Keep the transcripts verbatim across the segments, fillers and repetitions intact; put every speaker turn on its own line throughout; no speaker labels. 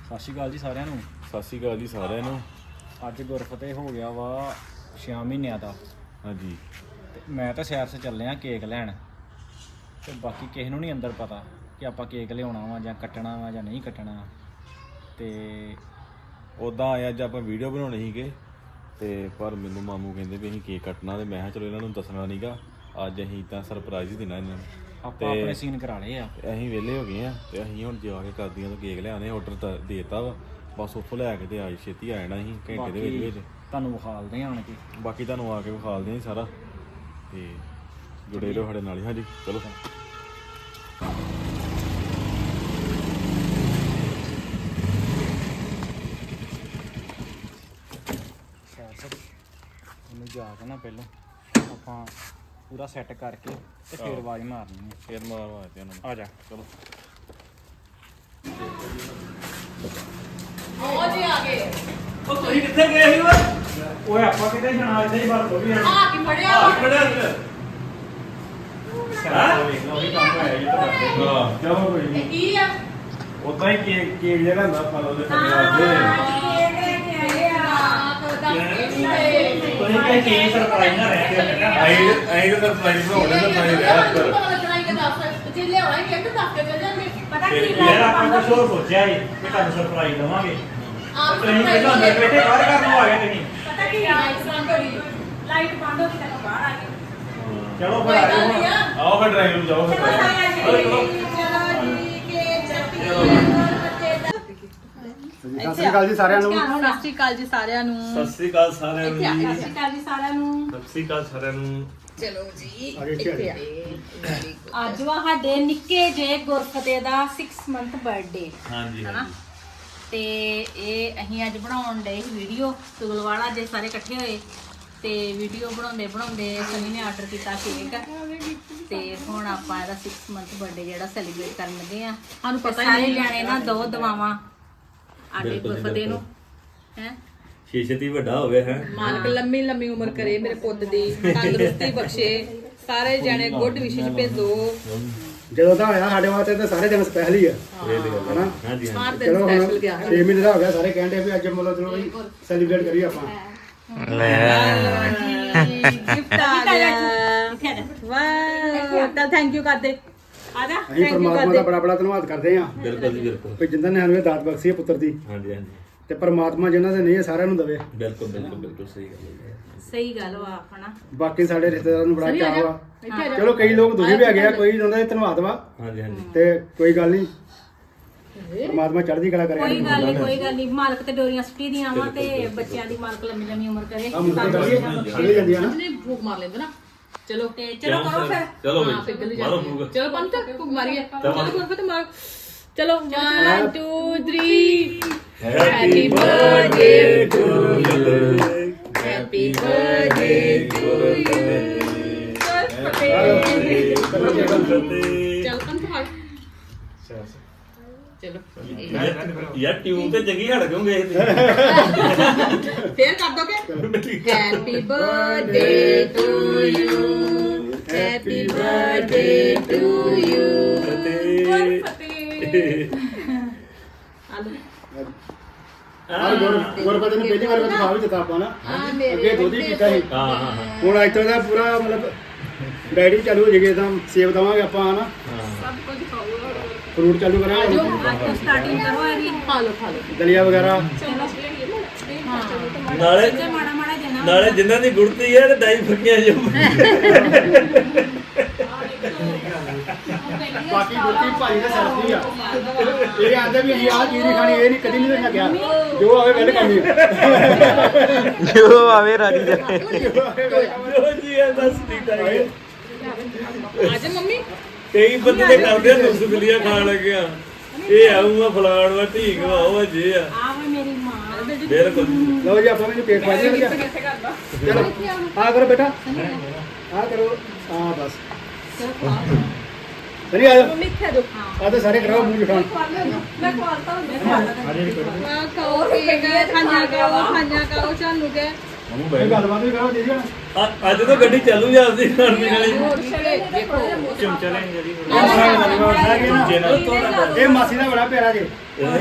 ਸਤਿ ਸ਼੍ਰੀ ਅਕਾਲ ਜੀ ਸਾਰਿਆਂ ਨੂੰ।
ਸਤਿ ਸ਼੍ਰੀ ਅਕਾਲ ਜੀ ਸਾਰਿਆਂ ਨੂੰ।
ਅੱਜ ਗੁਰਫਤਿਹ ਹੋ ਗਿਆ ਵਾ ਛੇ ਮਹੀਨਿਆਂ ਦਾ।
ਹਾਂਜੀ
ਤੇ ਮੈਂ ਤਾਂ ਸ਼ਹਿਰ 'ਚ ਚੱਲੇ ਆ ਕੇਕ ਲੈਣ, ਤੇ ਬਾਕੀ ਕਿਸੇ ਨੂੰ ਨਹੀਂ ਅੰਦਰ ਪਤਾ ਕਿ ਆਪਾਂ ਕੇਕ ਲਿਆਉਣਾ ਵਾ ਜਾਂ ਕੱਟਣਾ ਵਾ ਜਾਂ ਨਹੀਂ ਕੱਟਣਾ। ਤੇ
ਉੱਦਾਂ ਆਏ ਅੱਜ ਆਪਾਂ ਵੀਡੀਓ ਬਣਾਉਣੀ ਸੀਗੇ, ਤੇ ਪਰ ਮੈਨੂੰ ਮਾਮੂ ਕਹਿੰਦੇ ਵੀ ਅਸੀਂ ਕੇਕ ਕੱਟਣਾ, ਤੇ ਮੈਂ ਕਿਹਾ ਚਲੋ ਇਹਨਾਂ ਨੂੰ ਦੱਸਣਾ ਨਹੀਂਗਾ, ਅੱਜ ਅਸੀਂ ਤਾਂ ਸਰਪ੍ਰਾਈਜ਼ ਹੀ ਦੇਣਾ ਇਹਨਾਂ ਨੂੰ।
ਆਪਾਂ ਆਪਣੇ ਸੀਨ ਕਰਾ ਲਏ ਆ,
ਅਸੀਂ ਵਿਹਲੇ ਹੋ ਗਏ ਆ, ਤੇ ਅਸੀਂ ਹੁਣ ਜਾ ਕੇ ਕਰਦੀਆਂ ਤੋਂ ਕੇਕ ਲਿਆਉਣੇ। ਆਰਡਰ ਦੇਤਾ ਵਾ, ਬਸ ਉੱਥੋਂ ਲੈ ਕੇ ਤੇ ਆਈ ਛੇਤੀ ਆ ਜਾਣਾ ਅਸੀਂ ਘੰਟੇ ਦੇ ਵਿੱਚ ਵਿੱਚ।
ਤੁਹਾਨੂੰ ਵਿਖਾਲਦੇ ਆਣ ਕੇ,
ਬਾਕੀ ਤੁਹਾਨੂੰ ਆ ਕੇ ਵਿਖਾਲਦੇ ਹਾਂ ਸਾਰਾ, ਤੇ ਜੁੜੇ ਰਹੋ ਸਾਡੇ ਨਾਲ ਹੀ। ਹਾਂਜੀ ਚਲੋ
ਉਹਨੂੰ ਜਾ ਕੇ ਨਾ ਪਹਿਲਾਂ ਆਪਾਂ ਪੂਰਾ ਸੈੱਟ ਕਰਕੇ ਤੇ ਫਿਰ ਆਵਾਜ਼ ਮਾਰਨੀ ਹੈ।
ਫੇਰ ਮਾਰ ਮਾਰਦੇ ਉਹਨਾਂ ਨੂੰ।
ਆ ਜਾ
ਚਲੋ
ਉਹ ਜੀ ਆ ਗਏ।
ਉਹ ਤੁਸੀਂ ਕਿੱਥੇ ਗਏ ਸੀ ਓਏ?
ਓਏ ਆਪਾਂ ਕਿਤੇ ਜਾਣਾ, ਇੱਥੇ ਹੀ ਬਾਤ ਹੋ ਗਈ।
ਆ ਕੀ ਫੜਿਆ
ਆ
ਵਾ?
ਖੜਿਆ ਇੱਧਰ।
ਹਾਂ ਵੇਖ ਲਓ ਵੀ ਕੰਮ ਹੋਇਆ ਜੀ ਤੁਹਾਡੇ।
ਹਾਂ
ਚਲੋ ਕੋਈ
ਇਹ
ਨਹੀਂ,
ਕੀ ਆ?
ਉਦਾਂ ਹੀ ਕੇਕ ਕੇਕ ਜਿਹੜਾ ਹੁੰਦਾ ਆਪਾਂ ਉਹਦੇ ਥੱਲੇ
ਹਾਂ,
ਆਦੇ
ਕੇਕ ਲੈ ਕੇ ਆਏ ਆ। ਤਾਂ ਦੱਸ ਕੀ ਹੈ?
ਤੁਸੀਂ ਕਹੇ ਕੀ ਸਰਪ੍ਰਾਈਜ਼ ਨਾ ਰਹਿ ਗਿਆ ਬੇਟਾ।
ਆਈ ਆਈ ਤਾਂ ਸਰਪ੍ਰਾਈਜ਼ ਬਣਾਉਣੇ ਤਾਂ ਪਾਈ ਰਿਹਾ ਕਰ।
ਪਤਾ
ਫਿਰ
ਕੀ
ਯਾਰ
ਗੱਲ
ਆਪਾਂ ਕੁਝ ਹੋਰ ਸੋਚਿਆ ਸੀ ਕਿ ਤੁਹਾਨੂੰ ਸਰਪ੍ਰਾਈਜ਼ ਦਵਾਂਗੇ। ਤੁਸੀਂ ਪਹਿਲਾਂ ਅੰਦਰ ਬੈਠੇ ਬਾਹਰ ਕਰਨ ਨੂੰ ਆ ਗਏ ਤੁਸੀਂ।
ਪਤਾ ਕੀ ਲਾਈਟ ਬੰਦ ਹੋ ਗਈ ਤਾਂ ਬਾਹਰ ਆ ਗਏ।
ਚਲੋ ਫਿਰ ਆ ਜਾਓ ਹੁਣ।
ਆਓ ਫਿਰ ਡਰਾਈਵ ਨੂੰ ਜਾਓ ਫਿਰ।
ਚਲੋ ਚਲੋ
ਚਲੋ ਜੀ ਕੇ ਚੱਪੀ ਬੱਚੇ ਦਾ
ਸਤਿ ਸ਼੍ਰੀ ਅਕਾਲ ਜੀ ਸਾਰਿਆਂ ਨੂੰ।
ਸਤਿ ਸ਼੍ਰੀ ਅਕਾਲ ਜੀ ਸਾਰਿਆਂ ਨੂੰ।
ਸਤਿ ਸ੍ਰੀ ਅਕਾਲ ਸਾਰਿਆਂ ਨੂੰ।
ਸਤਿ ਸ਼੍ਰੀ ਅਕਾਲ ਜੀ ਸਾਰਿਆਂ ਨੂੰ।
ਸਤਿ ਸ੍ਰੀ ਅਕਾਲ ਸਾਰਿਆਂ ਨੂੰ।
ਚਲੋ ਜੀ
ਆਗੇ ਇੱਥੇ ਆ
ਅੱਜ ਵਾ ਸਾਡੇ ਨਿੱਕੇ ਜੇ ਗੁਰਫਤਿਹ ਦਾ ਛੇ ਮੰਥ ਬਰਥਡੇ
ਹਾਂਜੀ
ਹਨਾ। ਤੇ ਇਹ ਅਸੀਂ ਅੱਜ ਬਣਾਉਣ ਡਏ ਵੀਡੀਓ ਤੁਗਲਵਾੜਾ ਜੇ ਸਾਰੇ ਇਕੱਠੇ ਹੋਏ, ਤੇ ਵੀਡੀਓ ਬਣਾਉਂਦੇ ਬਣਾਉਂਦੇ ਸਨੀ ਨੇ ਆਰਡਰ ਕੀਤਾ ਕੇਕ, ਤੇ ਹੁਣ ਆਪਾਂ ਇਹਦਾ ਛੇ ਮੰਥ ਬਰਥਡੇ ਜਿਹੜਾ ਸੈਲੀਬ੍ਰੇਟ ਕਰਨ ਲੱਗੇ ਆ। ਸਾਨੂੰ ਪਤਾ ਸਾਰੇ ਜਾਣੇ ਨਾ ਦੋ ਦਵਾਵਾਂ ਆਡੇ ਗੁਰਫਤਿਹ ਨੂੰ ਹੈ।
ਛੇਤੀ ਵੱਡਾ ਹੋ ਗਿਆ ਹੈ।
ਮਾਲਕ ਲੰਮੀ ਲੰਮੀ ਉਮਰ ਕਰੇ ਮੇਰੇ ਪੁੱਤ ਦੀ, ਤੰਦਰੁਸਤੀ ਬਖਸ਼ੇ, ਸਾਰੇ ਜਣੇ ਗੁੱਡ ਵਿਸ਼ੇਸ਼ ਭੇਜੋ।
ਜਦੋਂ ਦਾ ਹੋਇਆ ਸਾਡੇ ਵਾਸਤੇ ਤਾਂ ਸਾਰੇ ਦਿਨ ਸਪੈਸ਼ਲ ਹੀ ਆ ਹਨਾ।
ਹਾਂਜੀ
ਹਰ ਦਿਨ
ਚਲੋ ਹੁਣ
ਸਪੈਸ਼ਲ ਗਿਆ।
ਛੇ ਮਹੀਨੇ ਦਾ ਹੋ ਗਿਆ, ਸਾਰੇ ਕਹਿੰਦੇ ਵੀ ਅੱਜ ਮਤਲਬ ਚਲੋ ਵੀ ਸੈਲੀਬ੍ਰੇਟ ਕਰੀਏ ਆਪਾਂ।
ਗਿਫਟ ਆ ਗਿਆ। ਵਾਹ ਤਾਂ ਥੈਂਕ ਯੂ ਕਰਦੇ ਆ ਜਾ।
ਅਸੀਂ
ਥੈਂਕ ਯੂ
ਪਰਮਾਤਮਾ ਦਾ
ਕਰਦੇ।
ਬੜਾ ਬੜਾ ਧੰਨਵਾਦ ਕਰਦੇ ਹਾਂ
ਬਿਲਕੁਲ ਜੀ ਬਿਲਕੁਲ।
ਵੀ ਜਿੰਨਾਂ ਨੇ ਸਾਨੂੰ ਇਹ ਦਾਤ ਬਖਸ਼ੀ ਹੈ ਪੁੱਤਰ ਦੀ,
ਹਾਂਜੀ ਹਾਂਜੀ
ਤੇ ਪਰਮਾਤਮਾ ਜਿਨ੍ਹਾਂ ਦੇ ਨਹੀਂ ਹੈ ਸਾਰਿਆਂ ਨੂੰ ਦੇਵੇ।
ਬਿਲਕੁਲ ਬਿਲਕੁਲ ਬਿਲਕੁਲ ਸਹੀ ਗੱਲ ਹੈ।
ਸਹੀ ਗੱਲ ਵਾ ਆਪਣਾ।
ਬਾਕੀ ਸਾਡੇ ਰਿਸ਼ਤੇਦਾਰਾਂ ਨੂੰ ਬੜਾ ਚਾਅ ਵਾ। ਚਲੋ ਕਈ ਲੋਕ ਦੁਖੀ ਵੀ ਹੈਗੇ ਆ, ਕੋਈ ਉਹਨਾਂ ਦਾ ਧੰਨਵਾਦ ਵਾ,
ਹਾਂਜੀ ਹਾਂਜੀ
ਤੇ ਕੋਈ ਗੱਲ ਨਹੀਂ, ਪਰਮਾਤਮਾ ਚੜ੍ਹਦੀ ਕਲਾ ਕਰੇ।
ਕੋਈ ਗੱਲ ਨਹੀਂ ਕੋਈ ਗੱਲ ਨਹੀਂ, ਮਾਲਕ ਤੇ ਡੋਰੀਆਂ ਸੁੱਟੀ ਦੀਆਂ ਵਾ, ਤੇ ਬੱਚਿਆਂ ਦੀ ਮਾਲਕ ਲੰਮੀ ਲੰਮੀ ਉਮਰ ਕਰੇ।
ਆ ਮੁੰਡੇ ਕਰੀਏ ਚਲੇ ਜਾਂਦੀ ਆ ਨਾ।
ਨਹੀਂ ਭੂਖ ਮਾਰ ਲੈਂਦੇ ਨਾ। ਚਲੋ
ਤੇ ਚਲੋ ਕਰੋ ਫਿਰ।
ਚਲੋ
ਹਾਂ
ਬਈ
ਪਿਗਲ
ਮਾਰੋ
ਜਾਂਦੀ
ਫੂਕ।
ਹੈ। ਚਲੋ ਪੰਤ ਭੂਖ ਮਾਰੀਏ। ਚਲੋ ਗੁਰਫਤ ਮਾਰ। ਚਲੋ one two three।
Happy
birthday
to you.
Happy birthday to you. ਚਲ ਪੰਤ ਮਾਰ। ਚਲੋ
ਯਾਰ ਟਿਊਬ ਤੇ ਜਗੀ ਹਟ ਕਿਉਂ ਗਏ?
ਫੇਰ ਕਰ ਦੋਗੇ। Happy birthday to you. Happy birthday to you.
ਆਹ ਗੁਰ ਗੁਰਪਤ ਨੂੰ ਪਹਿਲੀ ਵਾਰ ਦਿਖਾ ਵੀ ਦਿੱਤਾ ਆਪਾਂ ਨਾ। ਅੱਗੇ ਦੁੱਧ ਹੀ ਪੀਤਾ ਸੀ,
ਹਾਂ ਹਾਂ ਹਾਂ
ਹੁਣ ਅੱਜ ਤੋਂ ਦਾ ਪੂਰਾ ਮਤਲਬ ਡਾਇਰੀ ਚਾਲੂ ਹੋ ਜੇਗੀ, ਤਾਂ ਸੇਬ ਦਵਾਂਗੇ ਆਪਾਂ ਹਨਾ,
ਸਭ ਕੁਝ ਖਾਓ।
ਫਰੂਟ ਚਾਲੂ ਕਰਾਂਗੇ,
ਅੱਜ ਤੋਂ ਸਟਾਰਟਿੰਗ ਕਰੋ ਇਹਦੀ।
ਖਾ ਲਓ ਖਾ ਲਓ।
ਦਲੀਆ ਵਗੈਰਾ।
ਨਾਲੇ
ਤੇ ਮਾੜਾ ਮਾੜਾ ਦੇਣਾ।
ਨਾਲੇ ਜਿਨ੍ਹਾਂ ਦੀ ਗੁੜਤੀ ਹੈ ਤੇ ਡਾਈ ਫੱਕੀਆਂ ਜੋ
ਬਾਕੀ ਗੁੱਤੀ ਭਾਈ ਦੇ ਸਿਰ ਦੀ ਆ। ਇਹ ਆਂਦੇ ਵੀ ਅਸੀਂ ਆਹ ਚੀਜ਼ ਨਹੀਂ ਖਾਣੀ, ਇਹ ਨਹੀਂ ਕਦੀ ਨਹੀਂ ਦੇਖਿਆ ਗਿਆ, ਜੋ ਆਵੇ ਵੈਲ ਕਰਨੀ ਆ।
ਜੋ ਆਵੇ ਰਾਜੀ ਦੇ।
ਜੋ ਜੀ ਹੈ ਦੱਸ ਠੀਕ ਹੈ।
ਅੱਜ ਮੰਮੀ
ਕਈ ਬੰਦੇ ਤੇ ਕਰਦੇ ਆ ਸੁਗਲੀਆਂ ਖਾਣ ਲੱਗਿਆ, ਇਹ ਆਊਗਾ ਫਲਾਣ ਵਾ ਢੀਕ ਵਾ ਉਹ ਜੇ ਆ।
ਆ ਵਾ ਮੇਰੀ ਮਾਂ।
ਬਿਲਕੁਲ
ਲਓ ਜੀ ਆਪਾਂ ਮੈਨੂੰ ਪੇਟ ਪਾ ਦਿਆ ਗਿਆ। ਚਲੋ ਆ ਕਰੋ ਬੇਟਾ, ਆ ਕਰੋ, ਆ ਬਸ ਸਰੀ ਆ ਜਾਓ।
ਮਿੱਠਾ ਦੋ।
ਆ ਤਾਂ ਸਾਰੇ ਕਰਾਓ ਮੂੰਹ ਜੁਠਾਣ।
ਮੈਂ ਖਵਾਲਤਾ ਹੁੰਦਾ। ਖਾਓ ਕੇਕ, ਖਾਣਾ ਖਾਓ, ਖਾਣਾ ਖਾਓ, ਚਾਲੂ ਕੇ
ਮਾਮੂ
ਇਹ ਗੱਲਬਾਤ ਵੀ ਕਰੋ ਦੀਦੀ ਹੁਣ
ਅ- ਅੱਜ ਤਾਂ ਗੱਡੀ ਚੱਲੂ ਜਾਂਦੀ ਖਾਣ ਪੀਣ ਵਾਲੀ
ਦੇਖੋ
ਚਮਚਾ ਲੈਣ ਜਿਹੜੀ
ਇਹ ਮਾਸੀ ਦਾ ਬੜਾ ਪਿਆਰਾ ਜੀ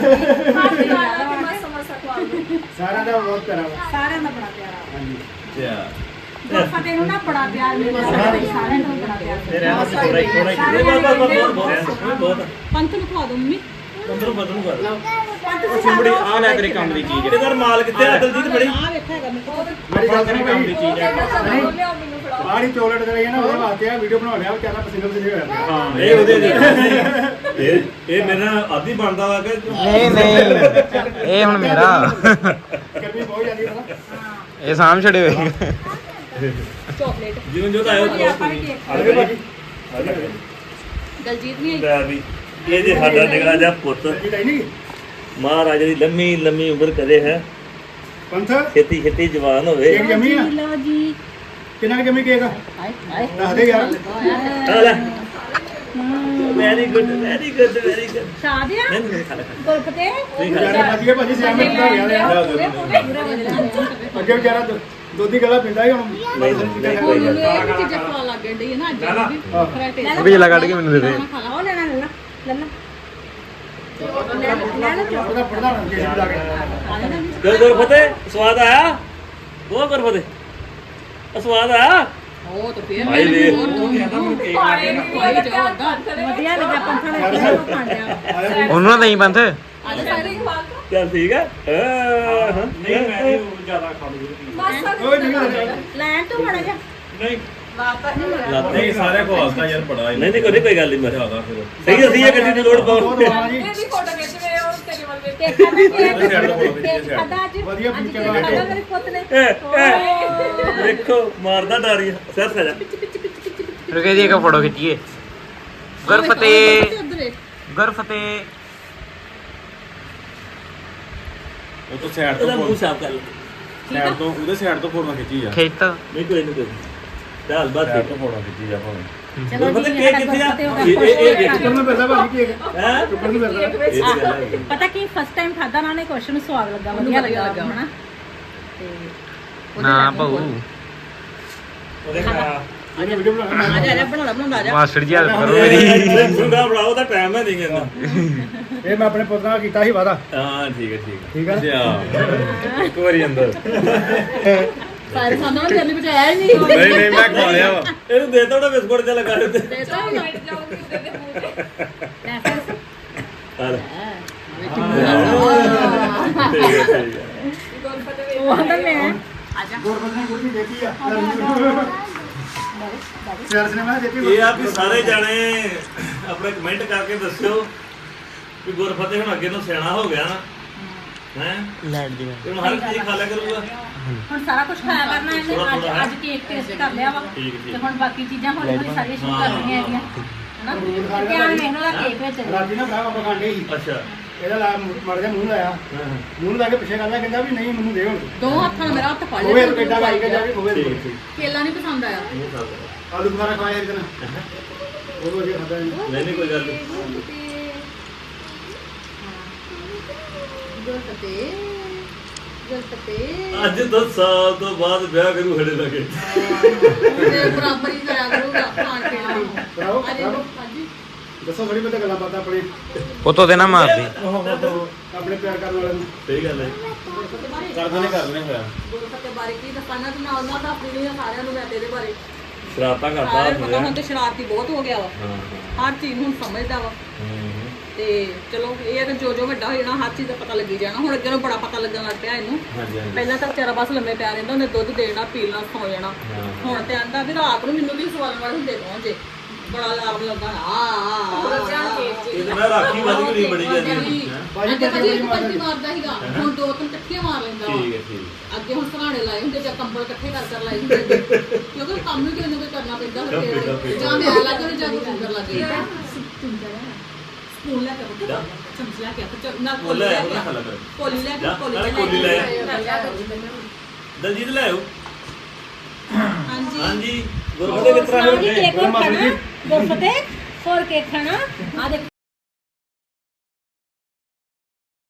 ਸਾਰਿਆਂ ਦਾ ਬਹੁਤ ਪਿਆਰਾ ਵਾ
ਸਾਰਿਆਂ ਦਾ ਬੜਾ ਪਿਆਰਾ
ਹਾਂਜੀ
ਅੱਛਾ
ਫਤਿਹ ਨੂੰ ਨਾ ਬੜਾ ਪਿਆਰ ਮਿਲਦਾ ਸਾਰਿਆਂ ਨੂੰ ਬੜਾ ਪਿਆਰ
ਤੇ ਰਹਿਣਾ ਸੀ ਥੋੜਾ ਹੀ ਥੋੜਾ ਹੀ
ਨਹੀਂ ਬਸ ਬਸ ਬਸ ਬਹੁਤ ਬਹੁਤ
ਪੰਥ ਨੂੰ ਖਵਾ ਦੋ ਮੰਮੀ
ਅੰਦਰੋਂ ਬਦਲੂ ਕਰ
ਉਹ ਚਿੰਬੜੀ ਆ ਲੈ ਤੇਰੇ ਕੰਮ ਦੀ ਚੀਜ਼
ਇਹਦੇ ਘਰ ਮਾਲ ਕਿੱਥੇ ਆ ਦਲਜੀਤ ਬੜੀ
ਆ ਵੇਖਿਆ ਹੈਗਾ ਮੇਰੇ ਕੋਲ
ਮੇਰੀ ਗੱਲ
ਤੇਰੇ
ਸੁਣੋ
ਕੰਮ ਦੀ
ਭਾਈ
ਚੀਜ਼ ਹੈ
ਬਾਹਰੀ ਚੋਕਲੇਟ ਦੇ ਰਹੀ ਹੈ ਨਾ ਉਹਦੇ ਵਾਸਤੇ ਆ ਵੀਡੀਓ ਬਣਾ ਲਿਆ ਵਿਚਾਰਾ ਪਸੀਨੇ ਪਸੀਨੇ ਹੋਇਆ ਪਿਆ
ਹਾਂ
ਇਹ ਉਹਦੇ ਦੇ ਇਹ ਇਹ ਮੇਰੇ ਨਾਲ ਆਦੀ ਬਣਦਾ ਵਾ ਕਿ
ਨਹੀਂ ਨਹੀਂ ਇਹ ਹੁਣ ਮੇਰਾ
ਗਰਮੀ ਬਹੁਤ ਜ਼ਿਆਦੀ ਹੈ ਨਾ
ਇਹ ਸਾਮ ਛੜੇ ਹੋਏ
ਚਾਕਲੇਟ
ਜਿਵੇਂ ਜੋ ਆਇਓ
ਆਪਾਂ ਵੀ ਕੇਕ
ਆਜੋ ਭਾਜੀ
ਦਲਜੀਤ ਨਹੀਂ ਆਈ
ਲੈ ਵੀ ਇਹ ਜੇ ਸਾਡਾ ਨਿਗਲਾ ਜਿਹਾ ਪੁੱਤ
ਜੀ ਤਾਂ ਨਹੀਂ
ਮਹਾਰਾਜ ਦੀ ਲੰਮੀ ਲੰਮੀ ਉਮਰ ਕਰੇ ਹੈ
ਪੰਥ
ਛੇਤੀ ਛੇਤੀ ਜਵਾਨ ਹੋਵੇ
ਕੇਕ ਜੰਮੀ ਆ
ਲਓ ਜੀ
ਕਿੰਨਾ ਕੁ ਜੰਮੀ ਕੇਕ ਆ
ਹਾਏ ਹਾਏ
ਦੱਸ ਦੇ ਯਾਰ
ਆ ਲੈ very good very good very good
ਸ਼ਾਦੀਆ
ਨਹੀਂ ਨਹੀਂ ਖਾ ਲੈ
ਗੁਰਫਤਿਹ
ਵਿਚਾਰੇ ਭਾਜੀ ਭਾਜੀ ਸਿਆਮੇ ਬਣਾ ਗਿਆ ਲਿਆ ਅੱਗੇ ਵਿਚਾਰਾ ਦੁ- ਦੁੱਧ ਦੀ ਗਲਾ ਪੀਂਦਾ ਹੀ ਹੁਣ
ਨਹੀਂ ਨਹੀਂ ਕੋਈ ਗੱਲ
ਇਹ ਵੀ ਚੀਜ਼ਾਂ ਖਵਾ ਲੱਗ ਗਈ ਹੈ ਨਾ ਅੱਜ ਵੀ ਖਰਾ ਟੇਸਟ
ਬਿਜਲਾ ਕੱਢ ਕੇ ਮੈਨੂੰ ਦੇ ਦੇ
ਉਹ ਲੈਣਾ ਲੈ ਲਾ ਲੈ ਲਾ ਲੈ ਲੈ ਲੈ
ਉਹਦਾ ਪੜਦਾ ਰੰਗ ਕੇ ਲਾ ਕੇ
ਗੁਰ ਗੁਰ ਫਤਿਹ ਸਵਾਦ ਆਇਆ ਉਹ ਗੁਰ ਫਤਿਹ ਸਵਾਦ ਆਇਆ
ਉਹ ਤਾਂ ਫੇਰ
ਭਾਈ ਵੇ।
ਹੋਰ ਦੋ ਕਹਿੰਦਾ ਮੈਨੂੰ ਕੇਕ ਲਾ ਕੇ ਕੋਈ ਜਾਉਂਦਾ
ਵਧੀਆ ਲੱਗਾ ਪੰਥਾ ਨੇ ਕਿਹਾ ਉਹ ਖਾਂਦਿਆ
ਉਹਨੂੰ ਨਾ ਦੇਈ ਪੰਥ
ਅੱਜ ਸਾਰੇ
ਚੱਲ ਠੀਕ ਆ ਹਾਂ ਹਾਂ
ਨਹੀਂ ਮੈਂ ਨਹੀਂ ਉਹ ਜ਼ਿਆਦਾ ਖਾ ਲੂਗੀ
ਓਏ ਨਹੀਂ
ਲੈਣ ਤੋਂ ਬੜਾ ਜਾ
ਨਹੀਂ
ਨਹੀਂ ਸਾਰੇ ਕੋ ਆਸਤਾ ਯਾਰ ਬੜਾ
ਨਹੀਂ ਨਹੀਂ ਕੋਈ ਕੋਈ ਗੱਲ ਨਹੀਂ ਮੈਂ
ਜ਼ਿਆਦਾ ਫਿਰ
ਸਹੀ ਅਸੀਂ ਇਹ ਗੱਡੀ ਦੀ ਲੋੜ ਪਾਉ
ਬਹੁਤ ਵਾਹ ਜੀ
ਕੇਕ ਖਾਦਾ ਕੇਕ ਕੇਕ ਖਾਦਾ ਅੱਜ
ਵਧੀਆ
ਅੱਜ
ਪੀਕੇ
ਕੇਕ
ਲਾ
ਖਾਦਾ
ਕੇ
ਮੇਰੇ ਪੁੱਤ ਨੇ
ਦੇਖੋ ਮਾਰਦਾ ਡਾਰੀ ਸਿਰ ਖਾ ਜਾ
ਰੁਕੇ ਦੀ ਇੱਕ ਫੋਟੋ ਖਿੱਚੀਏ ਗੁਰਫਤਿਹ
ਉਧਰ ਵੇਖ
ਗੁਰਫਤਿਹ
ਉਹ ਤੋਂ ਸਾਈਡ
ਉਹਦਾ
ਤੋਂ
ਮੂੰਹ ਸਾਫ ਕਰ ਲੈ
ਸਾਈਡ ਤੋਂ ਉਹਦੇ ਸਾਈਡ ਤੋਂ ਫੋਟੋ ਖਿੱਚੀ ਆ
ਖੇਤ
ਨਹੀਂ ਕੋਈ ਨਹੀਂ ਕੋਈ ਚੱਲ ਬਸ
ਸਾਈਡ ਤੋਂ ਫੋਟੋ ਖਿੱਚੀ ਆ ਭਾਵੇਂ
ਚਲੋ
ਪਤਾ
ਜੀ
ਕੇਕ ਕਿੱਥੇ ਆ ਇਹ ਇਹ ਇਹ
ਚੁੱਕਣ ਨੂੰ ਪੈਸਾ ਭਾਜੀ ਕੇਕ
ਹੈ
ਚੁੱਕਣ ਨੂੰ ਪੈਸਾ
ਇਹ ਤਾਂ ਗੱਲ ਹੈ
ਪਤਾ ਕੀ ਫਸਟ ਟਾਈਮ ਖਾਦਾ ਨਾ ਨੇ ਕੁਐਸਚਨ ਨੂੰ ਸਵਾਦ ਲੱਗਾ ਵਧੀਆ ਲੱਗਾ ਹਨਾ ਤੇ
ਨਾ ਭਾਊ
ਉਹਦੇ ਖਾ
ਇਹਨੇ ਵੀਡੀਓ ਬਣਾ
ਆ ਜਾ ਆ ਜਾ ਬਣਾਉਣਾ ਬਣਾਉਂਦਾ ਆ ਜਾ
ਮਾਸਟਰ ਜੀ ਹੈਲਪ ਕਰੋ ਮੇਰੀ
ਸੁੰਗਾ ਬਣਾਓ ਤਾਂ ਟਾਈਮ ਹੈ ਨਹੀਂ ਕਹਿੰਦਾ
ਇਹ ਮੈਂ ਆਪਣੇ ਪੁੱਤ ਨਾਲ ਕੀਤਾ ਸੀ ਵਾਦਾ
ਹਾਂ ਠੀਕ ਹੈ ਠੀਕ
ਠੀਕ ਆ
ਅੱਛਾ ਇੱਕ ਵਾਰੀ ਅੰਦਰ
ਸਾਰੇ ਸਾਨੂੰ ਨਾ ਜਲਦੀ ਬਚਾਇਆ ਹੀ ਨਹੀਂ
ਨਹੀਂ ਨਹੀਂ ਮੈਂ ਖਾ ਲਿਆ ਵਾ
ਹੈ ਇਹਨੂੰ ਦੇ ਤਾ ਉਹਦਾ ਬਿਸਕੁਟ ਜਿਹਾ ਲਗਾ ਦੇ
ਦੇਤਾ ਹੀ ਨਾ
ਹਾਂ ਠੀਕ ਹੈ ਠੀਕ ਹੈ
ਉਹ ਆਂਦਾ ਮੈਂ
ਗੁਰਬਖਸ਼ ਨੇ ਗੁੱਡੀ ਦੇਖੀ ਆ ਸਿਆਰ ਨੇ ਮੈਂ ਦੇਖੀ
ਇਹ ਆ ਵੀ ਸਾਰੇ ਜਾਣੇ ਆਪਣੇ ਕਮੈਂਟ ਕਰਕੇ ਦੱਸਿਓ ਵੀ ਗੁਰਫਤਿਹ ਹੁਣ ਅੱਗੇ ਤੋਂ ਸਿਆਣਾ ਹੋ ਗਿਆ ਨਾ ਹੈ
ਲੈਟ ਦੀ
ਤੇ ਹੁਣ ਹਰ ਚੀਜ਼ ਖਾ ਲਿਆ ਕਰੂਗਾ
ਹੁਣ ਸਾਰਾ ਕੁਝ ਖਾਇਆ ਕਰਨਾ ਇਹਨੇ
ਥੋੜ੍ਹਾ
ਅੱਜ
ਥੋੜ੍ਹਾ
ਅੱਜ ਕੇਕ ਟੇਸਟ ਕਰ ਲਿਆ ਵਾ
ਠੀਕ ਠੀਕ
ਤੇ ਹੁਣ ਬਾਕੀ ਚੀਜ਼ਾਂ ਹੌਲੀ ਹੌਲੀ ਸਾਰੀਆਂ ਸ਼ੁਰੂ ਕਰਨੀਆਂ ਹੈਗੀਆਂ ਹਨਾ ਧਿਆਨ ਵੇਖਣਾ ਦਾ ਕੇਕ ਵਿੱਚ
ਰਾਜੀ ਨਾ ਭਰਾ ਆਪਾਂ ਖਾਂਦੇ ਸੀ
ਅੱਛਾ
ਇਹਦਾ ਲਾ ਮੜ ਜਾ ਮੂੰਹ ਲਾਇਆ
ਹਾਂ ਹਾਂ
ਮੂੰਹ ਲਾ ਕੇ ਪਿੱਛੇ ਕਰਦਾ ਕਹਿੰਦਾ ਵੀ ਨਹੀਂ ਮੈਨੂੰ ਦੇ ਹੁਣ
ਦੋ ਹੱਥਾਂ ਨਾਲ ਮੇਰਾ ਹੱਥ ਫੜ
ਹੋਵੇ
ਲਿਆ
ਕਿੱਡਾ ਲਾਈ ਕੇ ਜਾ ਕੇ ਹੋਵੇ
ਠੀਕ ਠੀਕ
ਕੇਲਾ ਨਹੀਂ ਪਸੰਦ ਆਇਆ
ਮੂੰਹ ਸਾਫ਼ ਕਰੋ।
ਆਲੂ ਬੁਖਾਰਾ ਖਾਇਆ ਇੱਕ ਦਿਨ ਉਹ ਵਧੀਆ ਖਾਦਾ
ਨਹੀਂ ਨਹੀਂ ਕੋਈ ਗੱਲ ਨਹੀਂ
ਗੁਰਫਤਿਹ ਗੁਰਫਤਿਹ
ਅੱਜ ਦਸ ਸਾਲ ਤੋਂ ਬਾਅਦ ਵਿਆਹ ਕਰੂ ਹੜੇ ਲਗੇ
ਤੇ ਬਰਾਬਰ ਹੀ ਕਰਿਆ ਕਰੂਗਾ ਖਾਣ ਪੀਣ ਦੀ
ਬਰਾਵੋ
ਅੱਜ
ਬਰਾਵੋ
ਹਾਂਜੀ
ਦੱਸੋ ਥੋੜੀ ਬਹੁਤੀ ਗੱਲਾਂ ਬਾਤਾਂ ਆਪਣੇ
ਫੋਟੋ ਦੇ ਨਾ ਮਾਰਦੀ
ਆਪਣੇ ਪਿਆਰ ਕਰਨ ਵਾਲਿਆਂ ਨੂੰ
ਸਹੀ ਗੱਲ ਹੈ
ਕਰਦਾ ਨਹੀਂ ਕਰਨੇ ਹੋਇਆ
ਗੁਰਫਤਿਹ ਬਾਰੇ ਕੀ ਦੱਸਣਾ ਤੇ ਨਾਲ ਨਾਲ ਦੱਸ ਦਿੰਦੀ ਆ ਸਾਰਿਆਂ ਨੂੰ ਮੈਂ ਤੇਰੇ ਬਾਰੇ
ਸ਼ਰਾਰਤਾਂ ਕਰਦਾ
ਸਾਰਿਆਂ ਨੂੰ ਪਤਾ
ਹਾਂ
ਹੁਣ ਤੇ ਸ਼ਰਾਰਤੀ ਬਹੁਤ ਹੋ ਗਿਆ ਵਾ
ਹਾਂ
ਹਰ ਚੀਜ਼ ਨੂੰ ਹੁਣ ਸਮਝਦਾ ਵਾ
ਹੂੰ
ਤੇ ਚਲੋ ਇਹ ਹੈ ਕਿ ਜੋ ਜੋ ਵੱਡਾ ਹੋ ਜਾਣਾ ਹਰ ਚੀਜ਼ ਦਾ ਪਤਾ ਲੱਗੀ ਜਾਣਾ ਹੁਣ ਅੱਗੇ ਨੂੰ ਬੜਾ ਪਤਾ ਲੱਗਣ ਲੱਗ ਪਿਆ ਇਹਨੂੰ
ਹਾਂਜੀ ਹਾਂਜੀ
ਪਹਿਲਾਂ ਤਾਂ ਵਿਚਾਰਾ ਬਸ ਲੰਮੇ ਪਿਆ ਰਹਿੰਦਾ ਉਹਨੇ ਦੁੱਧ ਦੇਣਾ ਪੀਣਾ ਸੌ ਜਾਣਾ ਹੁਣ ਤੇ ਆਂਦਾ ਵੀ ਰਾਤ ਨੂੰ ਮੈਨੂੰ ਵੀ ਸਵਾਲਣ ਵਾਲੇ ਹੁੰਦੇ ਪਹੁੰਚੇ ਬੜਾ ਅਲਾਰਮ ਲੱਗਾ ਆ ਆ
ਇਹਦੇ ਨਾਲ ਰਾਖੀ ਵੱਧ ਗਈ ਬੜੀ ਜਾਂਦੀ ਹੈ
ਬਾਜੀ
ਅੱਗੇ
ਬੱਚੇ
ਕਦੀ
ਬੜੀ
ਇੱਕ
ਮਾਰਦੇ
ਪੰਜੀ ਮਾਰਦਾ ਸੀਗਾ ਹੁਣ ਦੋ ਤਿੰਨ ਇਕੱਠੀਆਂ ਮਾਰ ਲੈਂਦਾ ਵਾ।
ਠੀਕ ਹੈ ਠੀਕ
ਅੱਗੇ ਹੁਣ ਸਰਾਣੇ ਲਾਏ ਹੁੰਦੇ ਜਾਂ ਕੰਬਲ ਇਕੱਠੇ ਕਰ ਕਰ ਲਾਏ ਹੁੰਦੇ ਨੇ। ਕਿਉਂਕਿ ਕੰਮ ਵੀ ਕਿਸੇ ਨੂੰ ਕੋਈ ਕਰਨਾ ਪੈਂਦਾ ਫਿਰ ਜਾਂ ਮੈਂ ਲੱਗ ਜਾਣੀ ਜਾਂ ਕੋਈ ਫਿੰਗਰ ਲੱਗ ਜਾਏ ਸਪੂਨ ਲੈ ਕੇ ਪੁੱਤ ਚਮਚ ਲੈ ਕੇ ਆ, ਤੇ ਨਾਲ ਕੋਲੀ
ਲੈ
ਲੈ
ਆਓ,
ਕੇ
ਨਾ
ਆ।
ਖਾ ਲਿਆ ਕਰੋ।
ਕੋਲੀ ਲੈ ਕੇ
ਜਾ,
ਕੋਲੀ
ਨਾਲੇ
ਲੈ
ਕੋਲੀ ਲੈ
ਕੇ
ਦਲਜੀਤ ਲੈ ਆਓ
ਹਾਂਜੀ
ਹਾਂਜੀ ਗੁਰਫਤਿਹ ਕਿਸ ਤਰ੍ਹਾਂ
ਸੁਣਾਓ ਜੀ,
ਹੋਵੇ
ਕੇਕ ਹੋਰ ਖਾਣਾ ਗੁਰਫਤਿਹ ਹੋਰ ਕੇਕ ਖਾਣਾ ਆ ਦੇਖ